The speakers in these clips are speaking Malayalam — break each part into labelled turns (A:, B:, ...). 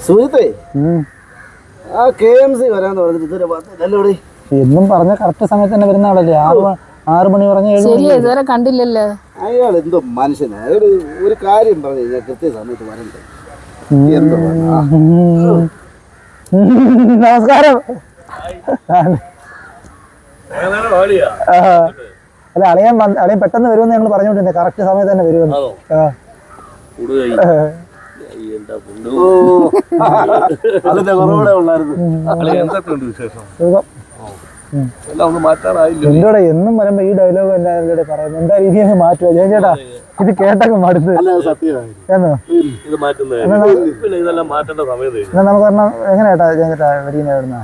A: സുഹൃത്തേ ആ KMC വരാന്ന് പറഞ്ഞിട്ട് ഇതുവരെ വന്നില്ലല്ലോടി.
B: എന്നും പറഞ്ഞ കറക്റ്റ് സമയത്ത് തന്നെ വരുന്ന ആളല്ലേ? 6 മണി പറഞ്ഞ
C: ഇതുവരെ കണ്ടില്ലല്ലോ.
A: അയാൾ എന്തോ മനുഷ്യനാ. അയാൾ ഒരു കാര്യം പറഞ്ഞു കഴിഞ്ഞാൽ കൃത്യസമയത്ത് വരണ്ടേ. എന്തോ
B: നമസ്കാരം. അല്ല അളിയൻ പെട്ടെന്ന് വരുമെന്ന് ഞങ്ങൾ പറഞ്ഞോണ്ടിരുന്നേ. കറക്റ്റ് സമയത്ത് തന്നെ വരുമെന്ന്.
A: അതിന്റെ കുറവുകൂടെ ഉള്ളായിരുന്നു.
B: എന്തോടെ എന്നും വരുമ്പോ ഈ ഡയലോഗ് എല്ലാവരുടെ പറയുന്നത് എന്താ രീതിയിൽ മാറ്റുക ഞാൻ ചേട്ടാ? ഇത് കേട്ടൊക്കെ മടുത്ത് നമുക്ക് പറഞ്ഞ എങ്ങനെ ചേട്ടാ ഞാൻ ചേട്ടാ വരികയെന്നാ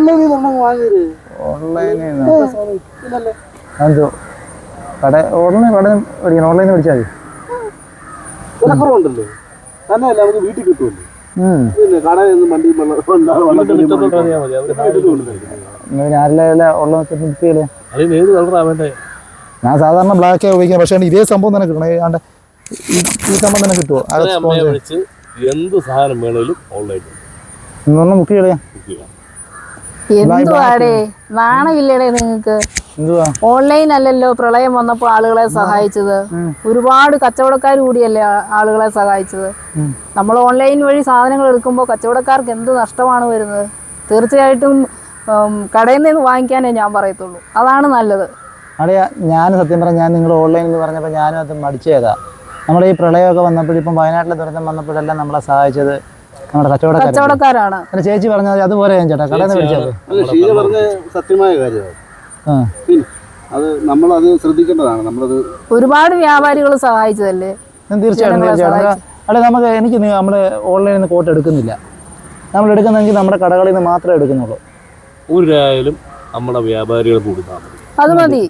B: ഓൺലൈനിൽ എന്തോ കട ഓൺലൈൻ മേടിക്കണം. ഓൺലൈനിൽ മേടിച്ചാൽ
A: മതി. തന്നെയല്ല നമുക്ക് വീട്ടിൽ കിട്ടുമല്ലോ. പിന്നെ കടയിൽ നിന്ന് വണ്ടി
B: ഞാൻ സാധാരണ ബ്ലാക്ക് ഉപയോഗിക്കാം. പക്ഷേ ഇതേ സംഭവം തന്നെ കിട്ടണം. ഈ സംഭവം തന്നെ കിട്ടുമോ?
D: എന്ത് സാധനം വേണേലും ഓൺലൈൻ
B: ബുക്ക് ചെയ്യാം.
C: എന്തുവാടേ നാണമില്ലേടേ നിങ്ങൾക്ക്? ഓൺലൈൻ അല്ലല്ലോ പ്രളയം വന്നപ്പോ ആളുകളെ സഹായിച്ചത്. ഒരുപാട് കച്ചവടക്കാർ കൂടിയല്ലേ ആളുകളെ സഹായിച്ചത്. നമ്മൾ ഓൺലൈൻ വഴി സാധനങ്ങൾ എടുക്കുമ്പോൾ കച്ചവടക്കാർക്ക് എന്ത് നഷ്ടമാണ് വരുന്നത്? തീർച്ചയായിട്ടും കടയിൽ നിന്ന് വാങ്ങിക്കാനേ ഞാൻ പറയത്തുള്ളൂ. അതാണ് നല്ലത്.
B: അറിയാ ഞാൻ സത്യം പറഞ്ഞാൽ ഞാൻ നിങ്ങൾ ഓൺലൈൻ എന്ന് പറഞ്ഞപ്പോൾ ഞാനും അത് മടിച്ചേതാ. നമ്മുടെ ഈ പ്രളയമൊക്കെ വന്നപ്പോഴിപ്പം വയനാട്ടിലെ ദുരന്തം വന്നപ്പോഴെല്ലാം നമ്മളെ സഹായിച്ചത് നമ്മുടെ കച്ചവടക്കാരാണ്. ചേച്ചി പറഞ്ഞാൽ അതുപോലെ ഞാൻ ചേട്ടാ കടയിൽ നിന്ന് മേടിച്ചത്
A: സത്യമായ കാര്യമാണ്. അത് നമ്മളത് ശ്രദ്ധിക്കേണ്ടതാണ്. നമ്മളത്
C: ഒരുപാട് വ്യാപാരികൾ സഹായിച്ചതല്ലേ.
B: തീർച്ചയായിട്ടും. അല്ലെ നമുക്ക് എനിക്ക് നമ്മൾ ഓൺലൈനിൽ നിന്ന് കോട്ട് എടുക്കുന്നില്ല. നമ്മൾ എടുക്കുന്നെങ്കിൽ നമ്മുടെ കടകളിൽ നിന്ന് മാത്രമേ എടുക്കുന്നുള്ളൂ.
D: ഒരായാലും നമ്മുടെ വ്യാപാരികൾ കൊടുത്താൽ
C: അത് മതി.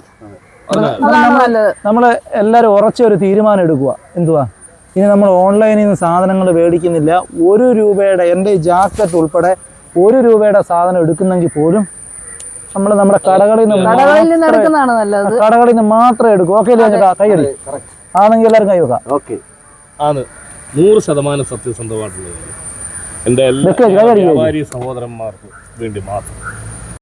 B: നമ്മൾ എല്ലാവരും ഉറച്ചൊരു തീരുമാനം എടുക്കുക. എന്തുവാ ഇനി നമ്മൾ ഓൺലൈനിൽ നിന്ന് സാധനങ്ങൾ മേടിക്കുന്നില്ല. 1 രൂപയുടെ എൻ്റെ ജാക്കറ്റ് ഉൾപ്പെടെ 1 രൂപയുടെ സാധനം എടുക്കുന്നെങ്കിൽ പോലും നമ്മൾ നമ്മുടെ കടകളിൽ നിന്ന് മാത്രമേ എടുക്കൂ. ഓക്കെ അല്ലേ ചേട്ടാ? കൈയടി ആണെങ്കിൽ എല്ലാവരും കൈ വെക്കാം.
A: ഓക്കെ
D: ആണ് 100% സത്യസന്ധമായിട്ടുള്ളത്. എൻ്റെ എല്ലാ വ്യാപാരി സഹോദരന്മാർക്ക് വേണ്ടി മാത്രം